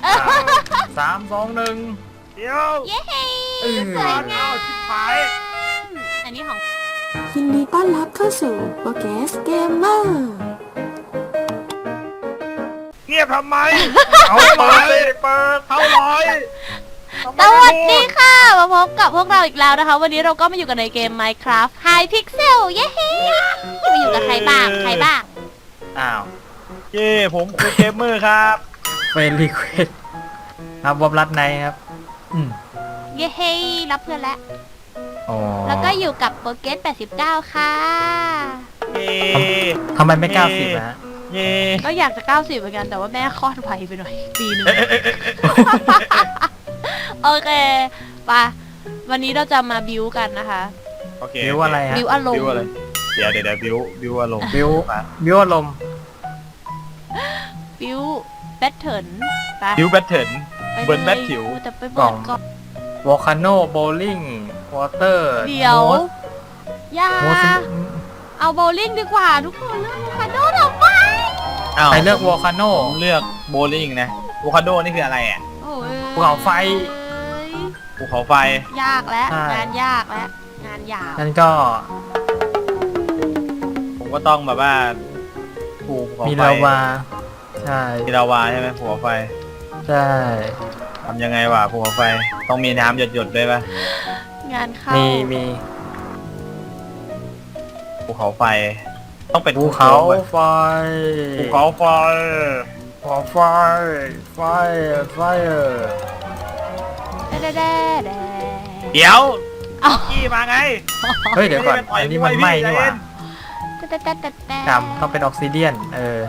3 2 1 เดี๋ยวเย้สก่วอย นงาเอามชิบหายอันนี้ของยินดีต้อนรับเข้าสู่โปรแกสเกมเมอร์เงียบทำไมเอาเปิดเลยเปิดเข้าร้อยสวัสดีค่ะมาพบกับพวกเราอีกแล้วนะคะ วันนี้เราก็มาอยู่กันในเกม Minecraft High Pixel เย้จะมาอยู่กับใครบ้างอ้าวเย่ผมคือเกมเมอร์ครับเฟรนรีเควสครับวอบรัดในครับเย้รับเพื่อนแล้วอ๋อแล้วก็อยู่กับโปรเกส89 ค่ะเย่ทำไมไม่90นะฮะเย่ก็อยากจะ90เหมือนกันแต่ว่าแม่คลอดไวไปหน่อยปีนึง โอเคไปวันนี้เราจะมาบิวกันนะคะโอเคบิวอะไรฮะบิวอารมบิวณ์อะไรเดี๋ยวบิวอารมณ์บิวอารมณ์บิวแบทเทิลไปบิวแบทเทิลไปเบิร์นแบทถิวแต่ไปเบิร์นก่อนวอลคาโนโบลิ่งวอเตอร์เดี๋ยวอย่าโมสเอาโบว์ลิ่งดีกว่าทุกคนเลือกโวคาโดทำไมอ้าวใครเลือกวอลคาโนผมเลือกโบลิ่งนะโวคาโดนี่คืออะไรอ่ะโอ้ยภูเขาไฟภูเขาไฟยากแล้วใช่งานยากแล้วงานยาวนั่นก็ผมก็ต้องแบบว่าภูเขามีไฟลาวาใช่มีลาวาใช่ไหมภูเขาไฟใช่ทำยังไงวะภูเขาไฟต้องมีน้ำหยดๆด้วยป่ะงานเข้ามีภูเขาไฟ ต้องเป็นภูเขาไฟไฟภูเขาไฟภูเขาไฟไฟไฟแดเดี๋ยวเอากี้มาไงเฮ้ยเดี๋ยวก่อนอันนี้มันไหม้นี่หว่าแดจำต้องเป็นออกซิเดียน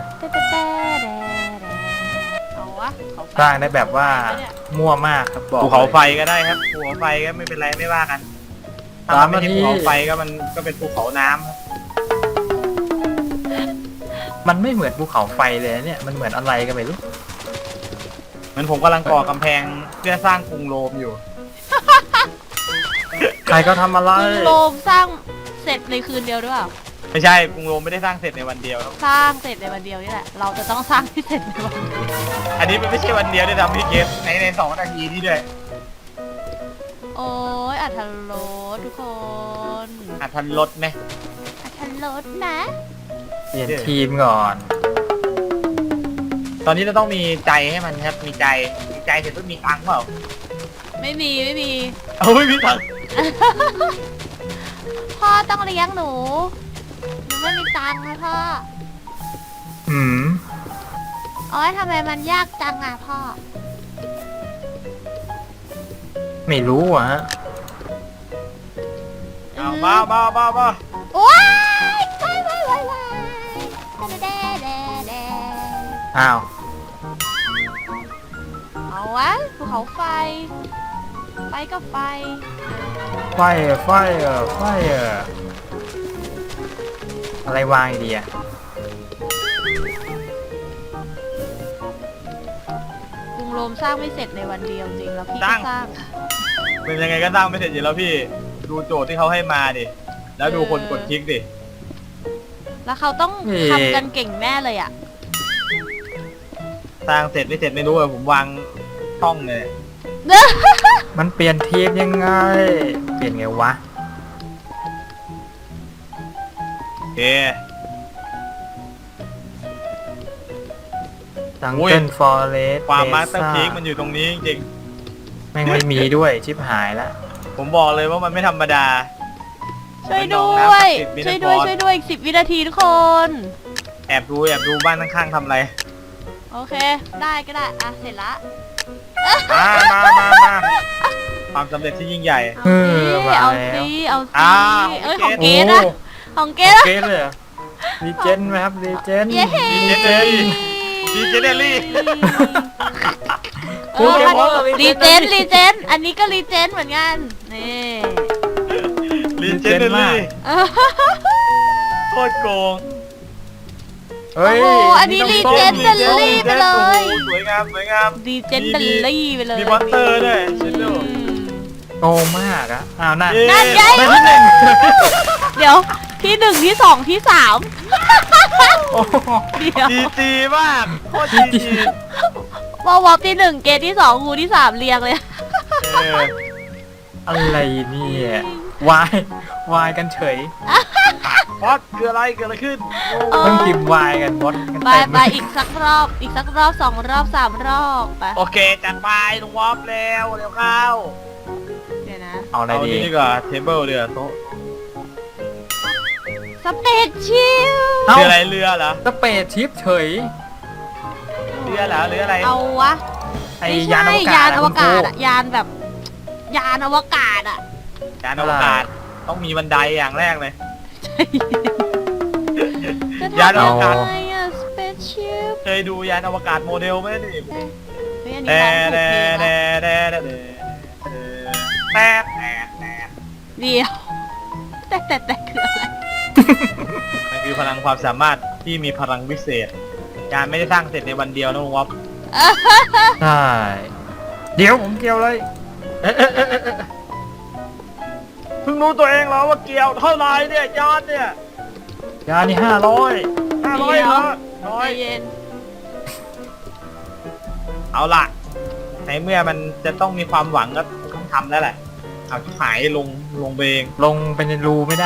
เอาวะเขาสร้างได้แบบว่ามั่วมากครับบอกภูเขาไฟลยก็ได้ครับภูเขาไฟก็ไม่เป็นไรไม่ว่ากันสามถ้ไม่ใช่นาทีภูเขาไฟก็มันก็เป็นภูเขาน้ำครับมันไม่เหมือนภูเขาไฟเลยนะเนี่ยมันเหมือนอะไรกันไม่รู้เหมือนผมกำลังก่อกำแพงเพื่อสร้างกรุงโรมอยู่ใครก็ทำอะไรกรุงโรมสร้างเสร็จในคืนเดียวหรือเปล่าไม่ใช่กรุงโรมไม่ได้สร้างเสร็จในวันเดียวครับสร้างเสร็จในวันเดียวนี่แหละเราจะต้องสร้างที่เสร็จในวันเดียวอันนี้มันไม่ใช่วันเดียวได้ทำพี่เกมใน2 นาทีนี่ด้วยโอ้ยอัธรสทุกคนทันรถไหมอัธรสนะเปลี่ยนทีมก่อนตอนนี้เราต้องมีใจให้มันครับมีใจเสร็จต้องมีตังค์เปล่าไม่มีเอาไม่มีตังค์พ่อต้องเลี้ยงหนูไม่มีตังค์นะพ่ออืมโอ๊ยทำไมมันยากจังอ่ะพ่อไม่รู้อ่ะฮะเอามาว้ายว้ายแดอ้าวเอาวะภูเขาไฟไปก็ไฟไฟอะไรวางดีอ่ะกรุงโรมสร้างไม่เสร็จในวันเดียวจริงแล้วพี่ก็สร้างเป็นยังไงก็สร้างไม่เสร็จอยู่แล้วพี่ดูโจทย์ที่เขาให้มาดิแล้วดูคนกดคลิกดิแล้วเขาต้องทำกันเก่งแน่เลยอ่ะสร้างเสร็จไม่เสร็จไม่รู้อะผมวางช่องเลยมันเปลี่ยนทีมยังไง เปลี่ยนไงวะโอเคดังโอ้ยเกิลฟอเรสความมาสเตอร์พีคมันอยู่ตรงนี้จริงแม่งไม่มีด้วยชิบหายละๆผมบอกเลยว่ามันไม่ธรรมดาช่วยด้วยเป็นน้องน้ำช่วยด้วย Mineral ช่วยด้วยอีก10 วินาทีทุกคนแอบดูบ้านข้างๆทำอะไรโอเค ได้ก็ได้อ่ะเสร็จละมาความสำเร็จที่ยิ่งใหญ่เอาสิเอาสิอ่าเอ้ยขขออง งเกเกรดดนะของเกดนะเกเลยเหรอรีเจนไหมครับรีเจนเย้ดีเจเนลลี่เออรีเจนอันนี้ก็รีเจนเหมือนกันนี่ลีเจเนลลี่เออโคตรโกงเฮ้ยโอ้โหอันนี้รีเจนเดลลี่ไปเลยโอ้โหสวยงามรีเจนเดลลี่ไปเลยมีมอนเตอร์ด้วยเชนโดโกงมากอะอ้าวนั่นนั่นไงได้ที่หนึ่งเดี๋ยวที่ 1 ที่ 2 ที่ 3 โอ้โหเดี๋ยวดีจีมากโคตรดีจีบวอปที่ 1 เกตที่ 2 งูที่ 3เรียงเลยเอออะไรเนี่ยวายวายกันเฉยบอสคืออะไรเกิดอะไรขึ้นเออเพิ่งพิมพ์วายกันบดกันไปเต็มไปอีกสักรอบ 2 รอบ 3 รอบไปโอเคจัดไปลุงวอฟเร็วเข้าเดี๋ยวนะเอาอะไรเอาดีนี่ดีกว่าเทเบิลเรือโต๊ะสเปซชิลเอ้าคืออะไรเรือเหรอสเปซชิปเฉยเรือเหรอหรืออะไรเอาวะไอ้ไม่ยานใช่อวกาศยานอวกาศอะอะยานแบบ ยานอวกาศอะยานอวกาศต้องมีบันไดอย่างแรกเลยจะยานทำอยัวงกาศไงอะสเปซชิลเคยดูยานอวกาศโมเดลไหมนี่เฮ้ยอันนี้แต่ร้องถูกเพลงอะแต่เดียวแต่คืออะไรมันคือพลังความสามารถที่มีพลังวิเศษยานไม่ได้สร้างเสร็จในวันเดียวนะลุงวอฟใช่เดี๋ยวผมเกี่ยวเลยเพิ่งรู้ตัวเองเหรอว่าเกี่ยวเท่าไรเนี่ยยานเนี่ยยานนี่500 500เหรอน้อใจยเย็นเอาล่ะในเมื่อมันจะต้องมีความหวังก็ต้องทำแล้วแหละเอาที่หายลงไปเองลงไปในรูไม่ได้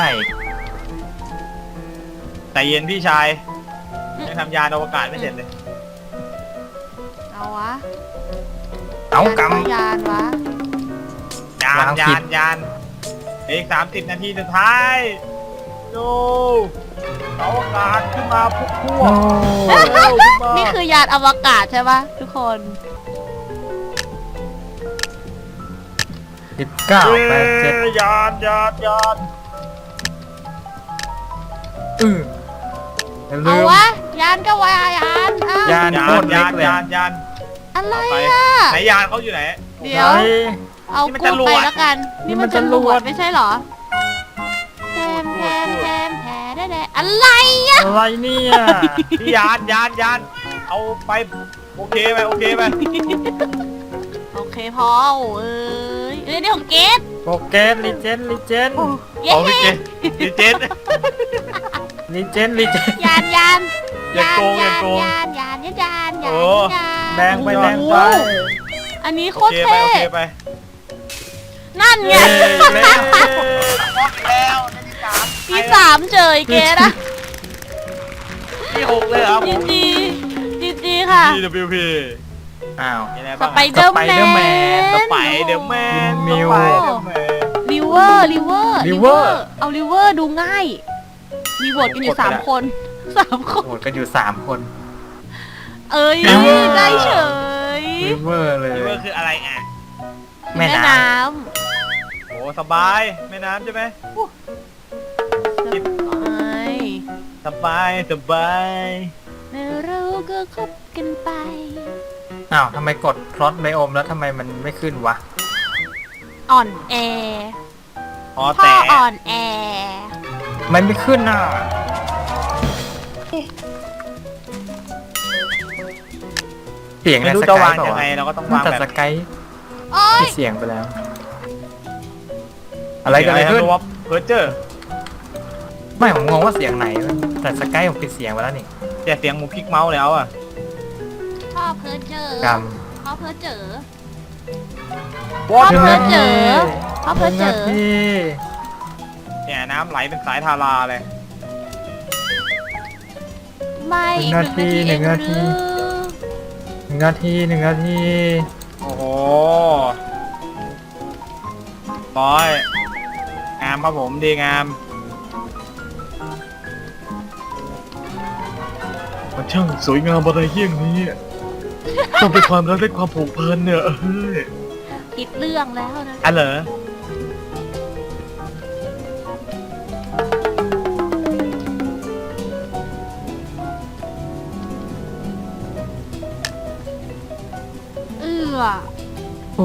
แต่เย็นพี่ชายยังทำยานอวกาศไม่เสร็จเลยเอาวะเอากยานวะยานวางผิดยานอีก30 นาทีสุดท้ายดูอวกาศขึ้นมาพวกำเร็วขึ้นมานี่คือยานอวกาศใช่ปะทุกคน 19 87 ยานลืมเอาวะ ยานก็วายานอ้าวยานโคตรเล็กเลยยานอะไรไปอ่ะไหนยานเขาอยู่ไหนเดี๋ยวไหนเอานี่มันกูจรวไปดแล้วกัน นี่มันนี่จมันรจรววดดไม่ใช่เหรอแทมแดอะไรอ่ะอะไรเนี่ยพี่ยานเอาไปโอเคไปโอเคพอเอ้ยนี่ของเกตโปเกตลิเจนเย้เอาพี่เจนพี่เจนยานอย่าโกงอย่าโกงยานโอ้แดงไปแดงไปอันนี้โคโอตรเคไปเท่โอเคไปนั่นไงเย้เร็วแล้วที่ 3เจอไอ้เกตอะที่6เลยเหรอจีค่ะ TWP อ้าวมีอะไรสบ้างไปเดอร์แมนสไปเดอร์แมนมิวริเวอร์ เอาริเวอร์ดูง่าย มีโหวตกันอยู่3 คน3 คนโหดกันอยู่3 คนเอ้ย River ได้เฉยริเวอร์เลยนี่ว่าคืออะไรอ่ะแม่แม่น้น้โอ้สบายแม่น้ำใช่ไหมำสบายแล้วเราก็คบกันไปำอ้าวทำไมกดพลอตไบโอมแล้วทำไมมันไม่ขึ้นวะอ่อนแอพอพ่อแต่อ่อนแอมันไม่ขึ้นน่ะเสียงไม่ในรู้สจะกายวางเปล่ายังวะไงเราก็ต้องน่าวางจะแบบสกายโอ้ยที่เสียงไปแล้ว อะไรกันเลยขึ้นว่าเพอร์เจอร์ไม่ผมงงว่าเสียงไหนแต่สกายผมปิดเสียงไปแล้วนี่แต่เสียงหมูพลิกเมาส์แล้วอ่ะพ่อเพ้อเจอกรรมพ่อเพ้อเจอวอเพ้อเตอร์เจอ พ่อเพ้อเจอ 1 นาทีเนี่ยน้ำไหลเป็นสายทาราเลยไม่อีก1 นาทีเองหรือ 1 นาที 1 นาทีโอ้โหร้อยงามครับผมดีงามมันช่างสวยงามอะไรเยี่ยงนี้ต้องเป็นความรักและความผูกพันเนี่ยเฮ้ยผิดเรื่องแล้วนะอ่ะเหรอโอ้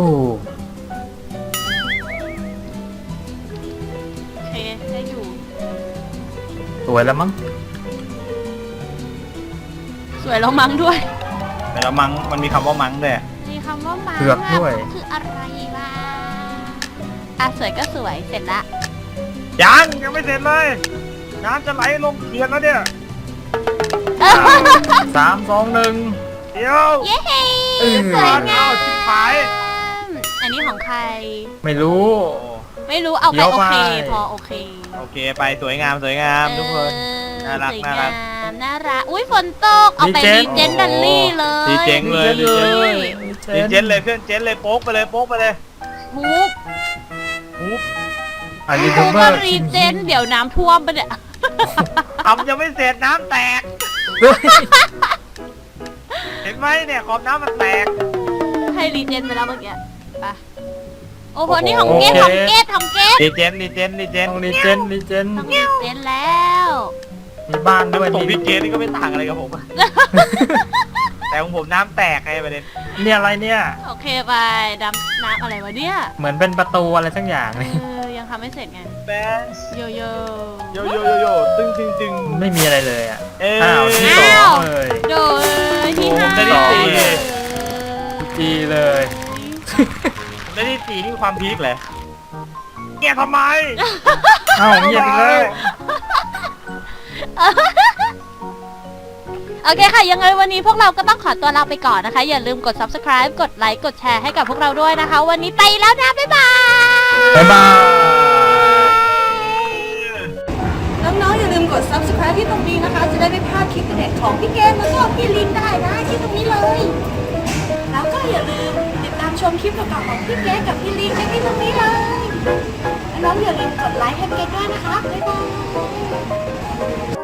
โอเคได้อยู่สวยแล้วมั้งสวยแล้วมั้งด้วยแต่ละมังมันมีคำว่ามังด้วยมีคำว่ามังเผือกด้วยคืออะไรวะอ่ะสวยก็สวยเสร็จละยังไม่เสร็จเลยน้ำจะไหลลงเขื่อนแล้วเนี่ย 3 2 1 อีเดี๋ยวเย้สเออวยงามชิบหายอันนี้ของใครไม่รู้ไม่รู้เอาไปเดี๋ยวโอเคไปพอโอเคโอเคไปสวยงามสวยงามทุกคน น่ารักสวยน่ารังาก มน่ารักอุ้ยฝนตกเอาไปดีเจนดัลลี่เลยดีเจงเลยดีเจงเลยดีเจนเลยเพื่อนเจนเลยโป๊กไปเลยโป๊กไปเลยฮูปหูบอันนี้ฮูทูปเบอก็ร์รีเจนเดี๋ยวน้ำท่วมไปะเนี่ยทำยังไม่เสร็จน้ำแตก เห็นไหมเนี่ยขอบน้ำมันแตกให้รีเจนไปแล้วเมื่อกี้ไปโอ้โหนี่ของเกตของเกตของเกตดีเจนดีเจนดีเจนต้องรีเจนรีเจนต้องรีเจนแล้วมีบ้านด้วยน้ำตกมีพี่เจนนี่ก็ไม่ต่างอะไรกับผมอะแต่ของผมน้ำแตกไงประเด็นเนี่ยอะไรเนี่ยโอเคไปดำน้ำอะไรวะเนี่ยเหมือนเป็นประตูอะไรสักอย่างเอนี่อยังทำไม่เสร็จไงแบนโยโย่โยโยโยโยตึงตึงตึงไม่มีอะไรเลยอ่ะเอ้อ้าวที่สองเลยโดยที่ห้าได้ที่สี่จีเลยได้ที่สี่นี่ความพีคเลยเกียทำไมเอ้าเงียบอีกแล้วโอเคค่ะ ยังไงวันนี้พวกเราก็ต้องขอตัวลาไปก่อนนะคะ อย่าลืมกด subscribe กดไลค์กดแชร์ให้กับพวกเราด้วยนะคะ วันนี้ไปแล้วนะ บ๊ายบายบ๊ายบายน้องๆอย่าลืมกด subscribe ที่ตรงนี้นะคะ จะได้ไม่พลาดคลิปเด็ดของพี่เกมแล้วก็พี่ลินได้นะที่ตรงนี้เลย แล้วก็อย่าลืมติดตามชมคลิปเก่าๆของพี่เกมกับพี่ลินได้ที่ตรงนี้เลยและน้องอย่าลืมกดไลค์ให้เกมด้วยนะคะ บ๊ายบาย